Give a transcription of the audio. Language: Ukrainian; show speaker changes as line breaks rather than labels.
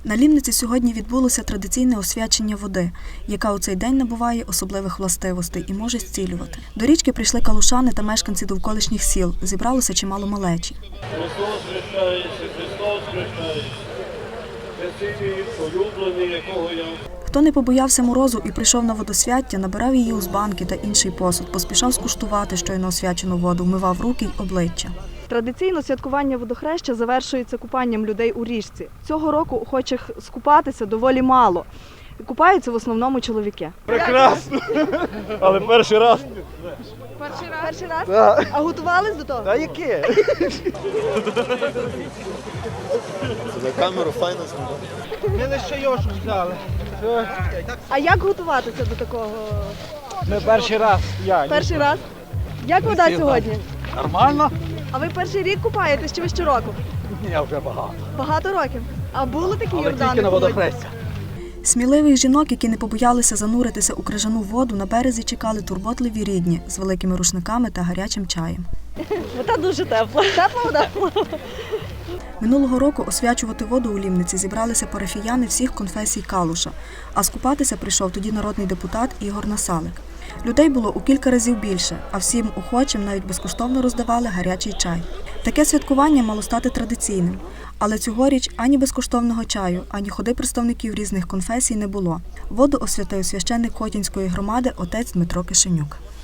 На Лімниці сьогодні відбулося традиційне освячення води, яка у цей день набуває особливих властивостей і може зцілювати. До річки прийшли калушани та мешканці довколишніх сіл. Зібралося чимало малечі.
Христос хрещається, Христос хрещається. Хрестителі, улюблені, якого я...
Хто не побоявся морозу і прийшов на водосвяття, набирав її з банки та інший посуд, поспішав скуштувати щойно освячену воду, вмивав руки й обличчя.
Традиційно святкування водохреща завершується купанням людей у річці. Цього року охочих скупатися доволі мало. Купаються в основному чоловіки.
Прекрасно! Але перший раз.
Перший раз?
Так.
А готувались до того?
А яке?
За камеру файно знімати.
Ми лише йошу взяли.
А як готуватися до такого?
Ми перший раз.
Перший раз? Як вода сьогодні?
Нормально?
А ви перший рік купаєтесь чи ви щороку?
Ні, вже багато.
Багато років. А були такі
Але
Йордани?
тільки на водохрестя.
Сміливих жінок, які не побоялися зануритися у крижану воду, на березі чекали турботливі рідні з великими рушниками та гарячим чаєм.
Вода дуже тепла. Тепла вода?
Минулого року освячувати воду у Лімниці зібралися парафіяни всіх конфесій Калуша, а скупатися прийшов тоді народний депутат Ігор Насалик. Людей було у кілька разів більше, а всім охочим навіть безкоштовно роздавали гарячий чай. Таке святкування мало стати традиційним, але цьогоріч ані безкоштовного чаю, ані ходи представників різних конфесій не було. Воду освятив священник Хотінської громади отець Дмитро Кишенюк.